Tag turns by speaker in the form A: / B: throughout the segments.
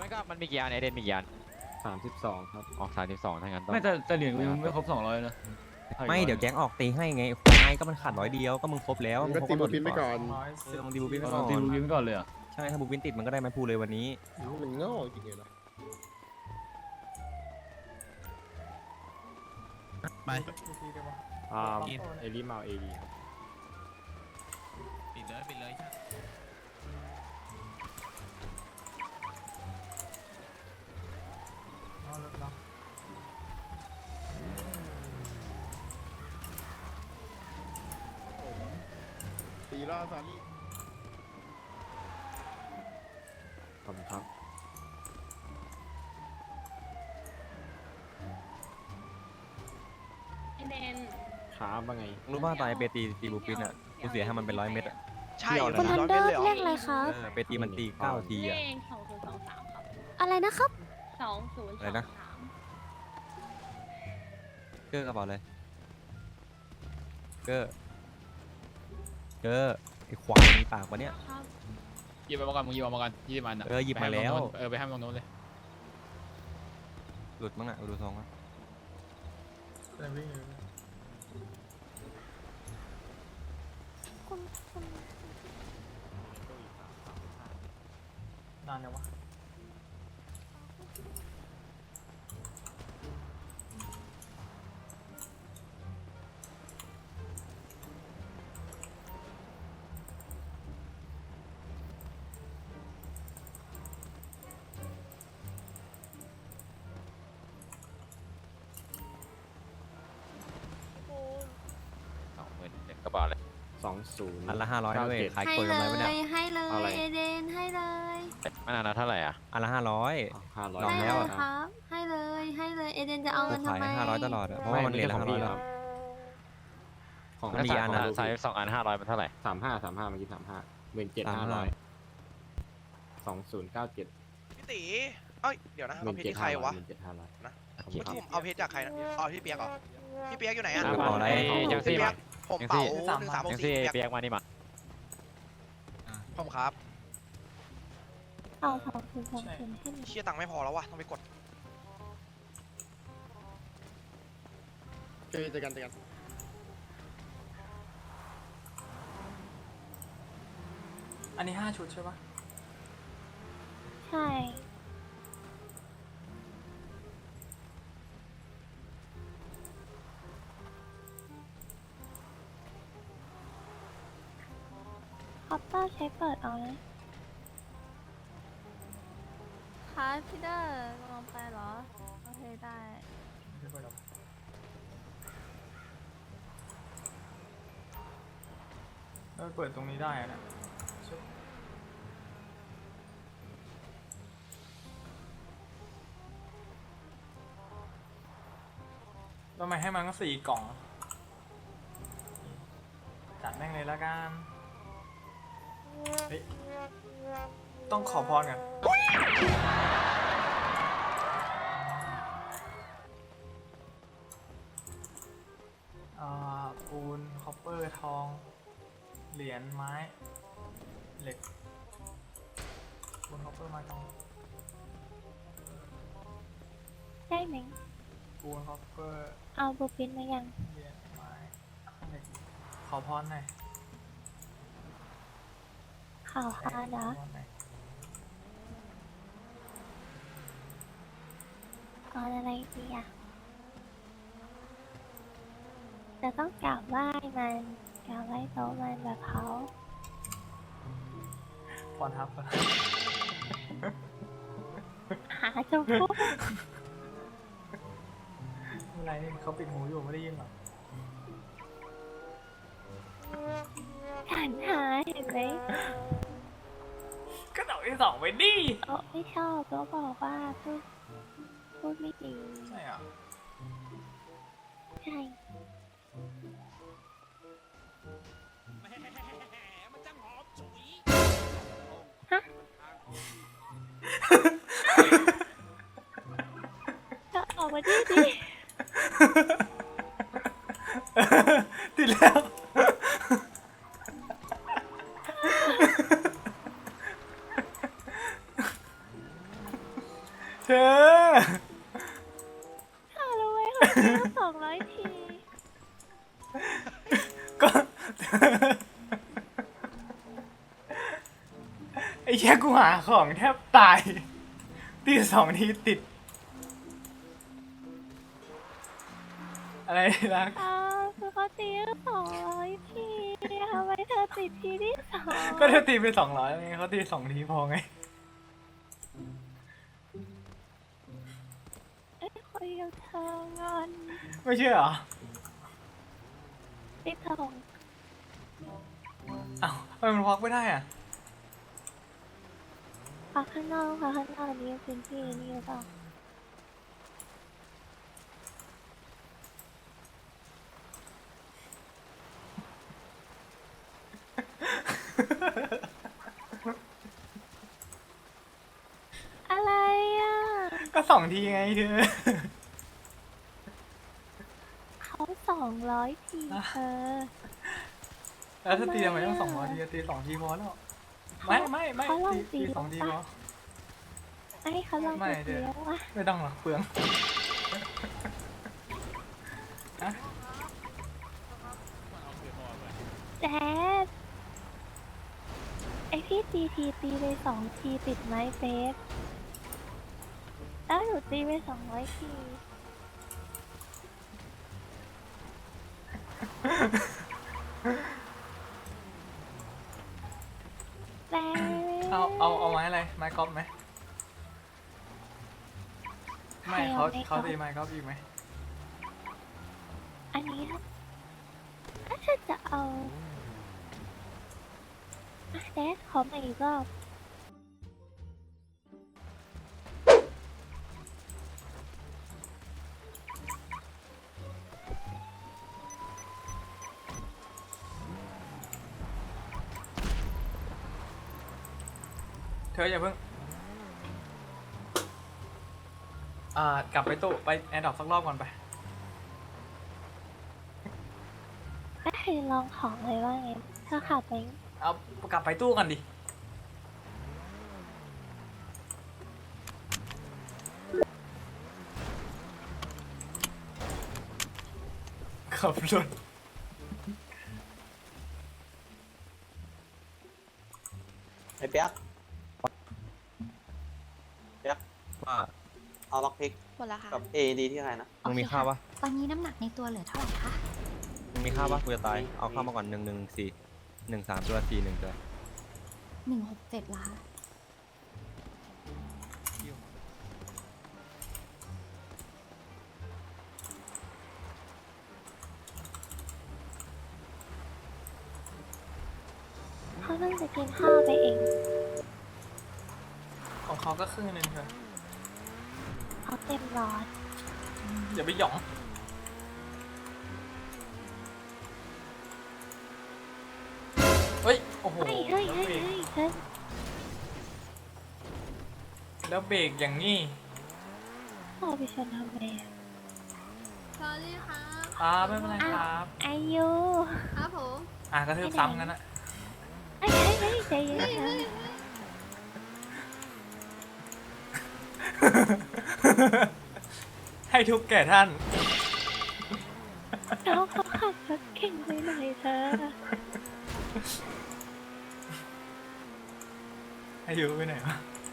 A: มันก็มันมีกี่อันไอเดนมีกี่อัน
B: 32ครับ
A: ออก32ทั้งนั้นต้อง
C: ไม่แต่เหรียญกูยังไม่ครบ200นะ
D: ไม่เดี๋ยวแก๊งออกตีให้ไงควายก็มันขาด100เดียวก็มึงครบแล้ว
B: มึงก็ตีบูปินไปก่อน
D: มึงตีบูปินไป
C: เอา
D: ก่อน
C: ตีบูกินไปก่อนเลยอ่ะ
D: ใช่ถ้าบูปินติดมันก็ได้ไม้พูเลยวันนี้
B: มันโง่จริงเลยนะ
E: ไป
B: เอลิมาเอลีครับ
E: ปิดเลยปิดเลย
B: ตีล่าซานี่ขอบคุณครับ
F: ไอเดน
B: ขาบ้างไง
D: รู้ป่ะตอนไอเปตีบูปินอ่ะกูเสียให้มันเป็น100 เม็ดอ่ะ
G: ใช่
H: คุณทันเดอร์เรียกอะไรครับ
D: เปตีมันตี9 ที
F: เล
D: อ่ะ
F: ข2023ครับ
H: อะไรนะครับ
D: อะไรนะ
F: 2023
D: เกอร์กระเป๋าเลยเกอร์ไอควายมีปากวะเนี่ย
F: ครับ
C: หยิบมาก่อนมึงหยิบมาก่อน20 อันอ่ะ
D: หยิบมาแล้ว
C: ไปให้ตรงโน้นเลย
D: หลุดมั้งอ่ะดูทรงอ่ะ
H: คุณ
G: นานยังวะ
A: 20,000กระเป๋าเลย
B: 20
D: อันละ500ด้วยขาย
H: ให้
D: กล
H: เล
D: กำไรปะเนี่ย
H: ย ให้เล
B: เอาอะไร
H: ย เอเดน ให้เลย
A: มันอันละเท่าไหร่อ่ะ
D: อันละ500
B: 500
D: ลอง
H: ให้
D: แล้ว
H: เล
D: อะ
H: ยครับ ให้เลย ให้เลย เอเดนจะเอา
D: กู
H: เงิน
D: ขา
H: ทำ
D: ย
H: ไม
D: ให้500 ตลอดอะเพราะว่ามันเหรียญละ
B: ของพี่
D: 500
B: ค
D: แล้
B: รั
D: ว
B: บของ
D: มันมีอันอะ
A: ใส่2 อัน500มันเท่าไหร่
B: 35เมื่อกี้35 17,500 2097
G: พี่ตีเอ้ยเดี๋ยวนะเอาเพชรที่ใครวะ
B: 17,500
G: นะเมื่อกี้ผมเอาเพชรจากใครนะอ๋อพี่เปียกเหรอพี่เปียกอยู่ไหนอ่ะ
D: กระเป๋าอะไร
A: ยังซี่
G: พี่เปีย
A: มาก
G: ผมเป๋า1364
A: ยังซี่
G: พี่เปียก
A: เปียกมานี่มา
G: ผมครับ
H: เอา2020ให้หน่อย
G: เชี่ยตังค์ไม่พอแล้ววะต้องไปกด
B: เจอกัน
G: อันนี้5 ชุดใช่ปะ
H: ใช่ คอปเตอร์ใช้เปิดเอาเลยค่ะพี่เดอร์ลงไปเหรอ โอเคได้
G: เปิดตรงนี้ได้นะทำไมให้มันก็4 กล่อง จัดแม่งเลยละกันเฮ้ยต้องขอพรกันปูน คอปเปอร์ ทอง เหรียญ ไม้ เหล็ก ปูน คอปเปอร์ ไม้ทอง
H: ได้ไหม
G: ปูน คอปเปอร์
H: เอาบูปินมายัง
G: เหรียญ ไม้ เหล็ก ขอพรหน่อย
H: ข่าวค่ะเดี๋ยว
G: ขอพรหน่อย
H: ก่อนอะไรดีอ่ะจะต้องกราบไหว้มันกราบไหว้โต๊ะมันแบบเขา
G: พรทับ
H: หาชมพู่
G: อะไรนี่เขาปิดหูอยู่ไม่ได้ยินหรอ
H: ฉันหาเห็นไหม
G: ก็ดอกที่2ไปดิ
H: โต๊ะไม่ชอบโต๊ะบอกว่าพูดไม่ดี
G: ใช่เหรอ
H: ใช่ ฮะ ก็ออกมาดีดิ
G: ติดแล้วเธอ
H: ข้ารู้ไหมเขาซื้อ200 ที
G: ก็ ไอ้แค่กูหาของแทบตายตี2 ทีติด อะไรนะ
H: คือเขาตี200 ทีทำไมเธอติดทีที่2
G: ก็เธอตีไป200ไงเขาตี2 ทีพอไง
H: คุยกับเธองอน
G: ไม่เชื่อเหรอ
H: ติดส่ง
G: อ้าวทำไมมันพักไม่ได้อ่ะ
H: พักข้างนอกค่ะข้างนอกนี้พื้นที่นี่หรือเปล่าอะไรอ่ะ
G: ก็2 ทีไงเธอ
H: เขา200 ทีเธอ
G: แล้วถ้าตีทำไมต้อง200 ทีตี2 ทีพอแล้ว ไม่
H: เขาลอง
G: ตี
H: ตี
G: 2 ทีพอ
H: ไอ้เขาลอง
G: ไม่
H: ตี
G: เดี๋ยว
H: แล้วอ่ะ
G: ไม่ต้องหรอกเปลืองฮะ
H: แจ๊ดไอพี่ตีไป2 ทีติดไหมเฟสแล้วหนูตีไป200 ทีแต่
G: เอาไม้อะไร ไม้กอล์ฟไหม ไม่เขา
H: ใคร
G: เขา
H: อ
G: ตี
H: ไม้
G: ไม้กอล์ฟอีกไหม
H: อันนี้ครับถ้าฉันจะเอาแดดขอมาอีกรอบ
G: เธออย่าเพิ่ง กลับไปตู้ไปแอร์ดรอปสักรอบก่อนไป
H: ไม่เคยลองของเลยว่าไงถ้าขับไป
G: เอากลับไปตู้กันดิ ขับรถ
F: ไอ้เปียก
D: ว่า
F: เอาล็อกพิก
I: หมดแล้วค่ะ
F: กับ AED ที่ใครนะ
D: มึงมีข้าวปะ
I: ตอนนี้น้ำหนักในตัวเหลือเท่าไหร่คะ
D: มึงมีข้าวปะกูจะตาย เอาข้าวมาก่อน114 13ตัว41ตัว
I: 167ล้าน
H: เขาเพิ่งจะกินข้าวไปเอง
G: ของเขาก็ครึ่งนึงเธอ
H: เขาเต็มร้อน
G: อย่าไปหยอง เฮ้ย โอ้โห
H: เฮ้ยเฮ้ยเฮ้ยเฮ้ยเฮ้ย
G: แล้วเบรกอย่างนี้
H: พ่อไปชนทำไมอะ
I: สวัสดีครับ
G: ไม่เป็นไรครับ
H: อายุ
I: ครับผม
G: กระทืบซ้ำกันนะ
H: เฮ้ยเฮ้ยเฮ้ยใจเย็นนะ
G: ให้ทุกแก่ท่าน
H: น้องเขาขับรถเก่งไปหน่อยเธอ
G: อายุไปไหนวะ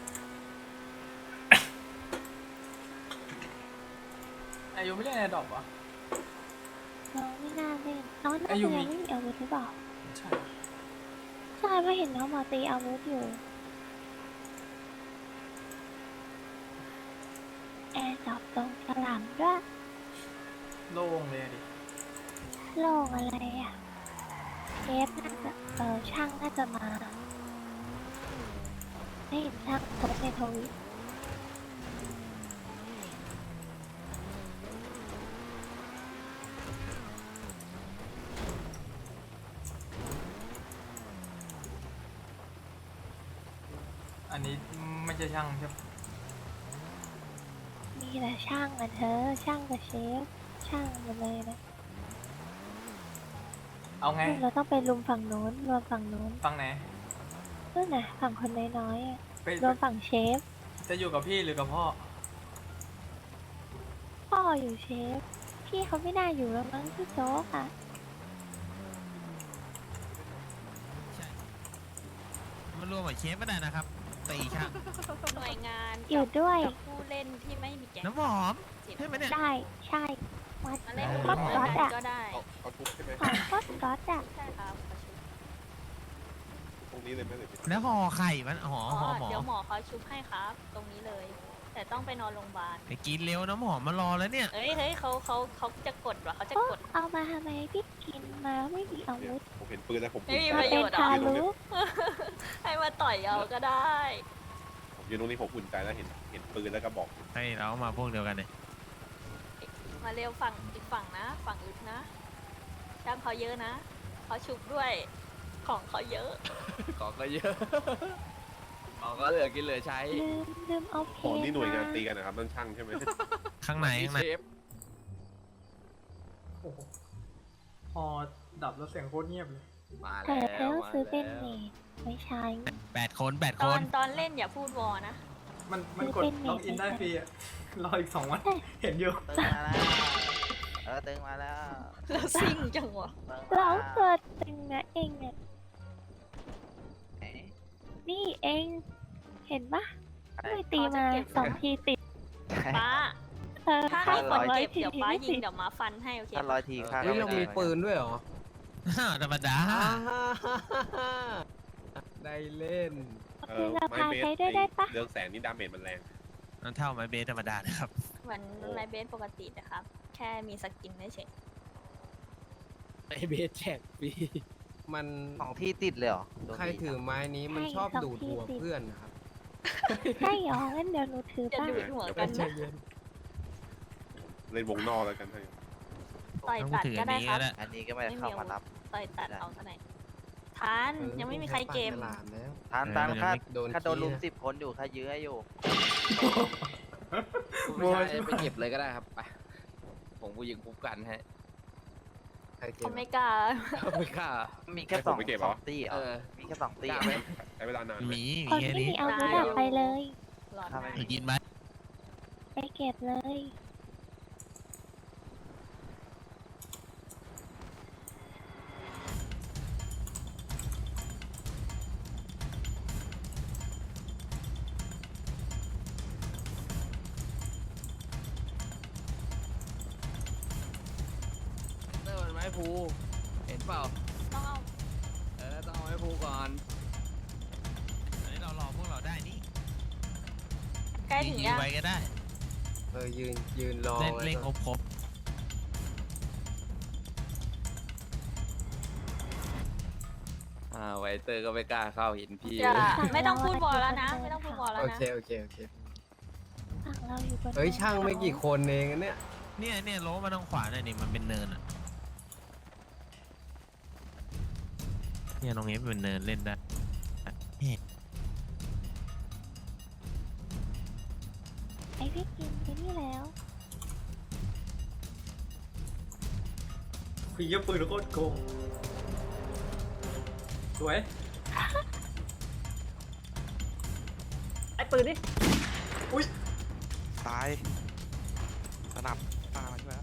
G: อายุไม่เล่นแอร์ดรอปวะ
H: น้องไม่น่าเล่นน้องน่า
G: อา
H: จะ
G: ยุ
H: ยัง
G: มี
H: ไม่มีอาวุธหรือเปล่า
G: ใช่
H: ใช่เพราะเห็นน้องมาตีอาวุธอยู่แอร์ดรอปตรงสลัมด้วย
G: โล่งเลยอะดิ
H: โล่งอะไรอ่ะเชฟน่าจะช่างน่าจะมาไม่เห็นช่างโพสต์ในทวิต
G: อันนี้ไม่ใช่ช่างใช่ปะ
H: มีแต่ช่างอ่ะเธอช่างกับเชฟช่างหมดเลยนะ
G: เอาไง
H: เราต้องไปรุมฝั่งโน้นรวมฝั่งโน้น
G: ฟังไหน
H: นู่นน่ะฝั่งคนน้อยๆอ่ะ
G: ไป
H: รวมฝั่งเชฟ
G: จะอยู่กับพี่หรือกับพ่อ
H: พ่ออยู่เชฟ พี่เขาไม่น่าอยู่แล้วมั้งพี่โจ๊กอะ
E: ใช่มันรวมกับเชฟก็ได้นะครับตีช่าง
J: หน่วยงาน
H: อยู่ด้วย
J: กับผู้เล่นที่ไม่มีแก๊ง
E: น้ำหอมใช่ไหมเนี่ย
H: ได้ใช่วัด
J: มาเล่น
H: ก็
J: หน่วย
H: ก๊อต
J: งาน
H: อะ
J: ก็ได้
K: เอาทุบใช่ไหม
H: ก็ก๊อตอะ
J: ใช่ครับประชุม
K: ตรงนี้เลยไหมหรือ
E: แล้วห่อไข่มันห่อ
J: อ๋อ
E: ห่อหมอ
J: เดี๋ยวหมอเขาชุบให้ครับ ตรงนี้เลย แต่ต้องไปนอนโรงพยาบาล
E: ไปกินเร็วน้ำหอมมารอแล้วเนี่ย
J: เฮ้ยเขาจะกดเหรอเขาจะ
H: โอ้
J: กด
H: เอามาทำไมพี่กินมาไม่มีอาวุธ
K: ผมเห็นปืนแล้วผม
J: ไม่มี
H: มา
J: ประโย
H: เป็น
J: ชน์เหรอ
H: ทารุ
J: ให้มาต่อยเอาก็ได้
K: ผมยืนตรงนี้ผมอุ่นใจแล้วเห็นปืนแล้วก็บอก
E: ให้เรามาพวกเดียวกันเนี่ย
J: มาเร็วฝั่งอีกฝั่งนะ ฝั่งอึดนะช่างเขาเยอะนะเขาชุบด้วย ของเขาเยอะ
D: ของก็เยอะของก็เหลือกินเหลือใช้
H: ลืมเอาเพ
K: ของที่หน่วยงาน
H: มา
K: ตีกันนะครับนั่นช่างใช่ไหม
E: ข้างในข้างใน
D: เชฟ
G: โอ้โหพอดับแล้วเสียงโคตรเงียบเลย
D: มา
H: แต่
D: แล้ว
H: ต้อง
D: มา
H: ซื้อเป็น
D: แล้ว
H: เมดไม่ใช่
E: 8 คน8
J: ต
E: ค
J: อน
E: น
J: ตอนเล่นอย่าพูดวอนะ
G: มันกดล็อกอินได้ฟรีอะรออีก2 วัน เห็นอยู่
D: ตึงมาแล้วตึงมาแล้ว
J: แล้วซิ่งจังวะ
H: เราเกิดตึงนะเองเนี่ยนี่เองเห็นปะไม่ตีมา2 ทีติด
J: ป้า ถ้า
H: ข้า
J: ให้คน
H: 200
J: เก็บ
H: ที
J: เดี๋ยว
H: ที
J: ป้า
H: ไม่
J: ยิ
H: ติ
J: ง
H: ด
J: เดี๋ยวมาฟันให้โอเค
D: ถ้า100 ทีค่า
B: เฮ้ยเรามีปืนด้วยเหรอ
E: ธรรมดา
B: ได้เล่น
H: คือราคาใช้ด้วยได้ปะ
K: เรื่องแสงนี่ดาเมจมันแรง
E: นั่นเท่าไม้เบสธรรมดานะครับ
J: เหมือนไมเบสปกตินะครับ แค่มีสกินเฉย
B: ไอเบสแจกฟรีมัน
D: ของที่ติดเลยเหรอ
B: ใครถือไม้นี้มันชอบดูดหัวเพื่อนนะครับ
H: ใช่หรองั้นเดี๋ยวหนูถือ
J: จะ
H: บ้าง
J: ดูดหัวกันนะ
K: เล่นวงนอกแล้วกันให้
J: ต่อย
E: ต้อง
J: ตัด
E: ถือ
J: ก็
E: อัน
J: ได้
E: นี้
J: ครั
E: ก็
J: บ
E: ได้
D: อันนี้ก็ไม่ได้เข้ามารับ
J: ต่อยตัดเอาเท่าไหร่ทันยังไม่มีใครเกม
B: ฉลามแล้ว
D: ทานตามค่า
B: โดน
D: ค่าโดนลุม
B: ขี้
D: 10 คนอยู่ค่ายื้อให้อยู่
B: ไม่ใช่
D: ไปเก็บเลยก็ได้ครับไปผมกูยิงคุ้มกันให้
B: ใครเก็
J: เขา
B: บ
J: ไม่กล้า
D: ไม่กล้ามีแค่
K: ให้
D: ส
K: ผ
D: อ
K: ม
D: ง
K: ไปเก็บ
D: ส
K: เหร
D: อ
K: อ
D: งตีเหร
B: เอ
D: อ
B: อ
D: มีแค่2 ตี
B: กล้าไหม
K: ใช้เวลานานไหม
E: มี
H: คน
E: แค่
H: ที่
E: นี้
H: มีอาวุธอะไปเลย
J: หลอด
D: ถ้าไม่
J: นะ
E: ไปกินไหม
H: ไปเก็บเลย
D: เตอร์มันไม้ภูเห็นเปล่า
J: ต้องเอา
D: ต้องเอาไม้ภูก่อน
E: อันนี้เรารอพวกเราได้นี่
J: ใกล้ถึง
E: ยื
J: ยั
E: น
J: ง
E: ไว้ก็ได้
B: ยืนรอ
E: เล่น
B: ไว้
E: เล่น
B: ก่อน
E: ครบ
D: ไวเตอร์ก็ไม่กล้าเข้าเห็นพี่
J: จะไม่ต้องพูดวอลแล้วนะ ไม่ต้องพูดวอลแล้ว
B: โอ
J: นะ
B: เคโอเคโอเค
H: ฝั่งเราอยู่บน
B: เฮ้ยช่างไม่กี่คนเองอะเนี่ย
E: เนี่ยโล้มาทางขวาหน่อยนี่มันเป็นเนินอ่ะเนี่ยตรงนี้เป็นเนินเล่นได้
H: ไอพี่กินไปนี่แล้ว
G: คุยเยอะปืนโคตรโกงสวย ไอ้ปืนนี่อุ้ย
D: ตายสนับตาใช่ไหม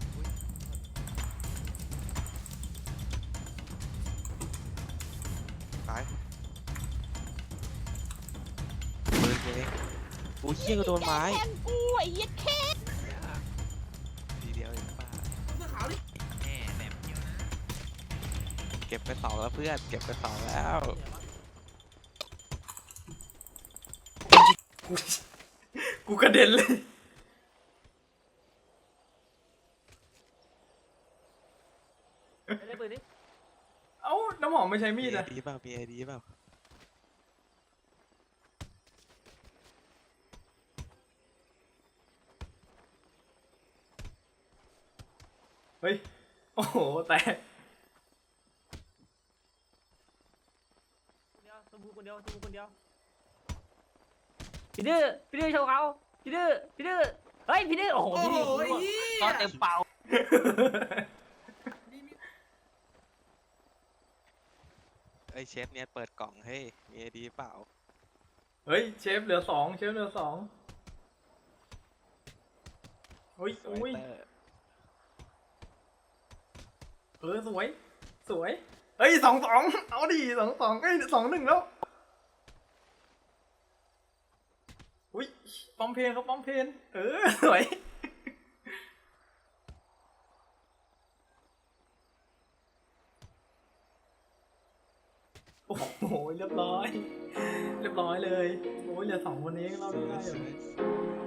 D: ตายปืนเองกูเชี่ยก็โดนไม้
J: แทนกูไอ้เหี้ยแค่
D: ทีเดียวเองป้า
E: แหม่แหลมเยอะนะ
D: เก็บไป2แล้วเพื่อนเก็บไป2แล้ว
G: กูกระเด็นเลยเอ้าน้ำหอมไม่ใช้มีดอะ
D: ดีเปล่ามีไอดีเปล่า
G: เฮ้ย โอ้โห แตก
L: พี่ดื้อโชว์เขาพี่ดื้อเฮ้ยพี่ดื้อโอ้โหพี่ดื้อก็เต็มเป่า
D: ไอเชฟเนี่ยเปิดกล่องให้มีไอดีเปล่า
G: เฮ้ย เชฟเหลือ 2 เชฟเหลือ 2 โอ้ย
B: สวย
G: โอ้ย
B: เตอร์
G: สวย สวย เอ้ย2-2เอาดิ2-2เอ้ย2-1แล้ว อุ้ยปั๊มเพลนเขาปั๊มเพลนสวย โอ้โหเรียบร้อย เรียบร้อยเลย โอ้ยเหลือ2คนเองเราได้อยู่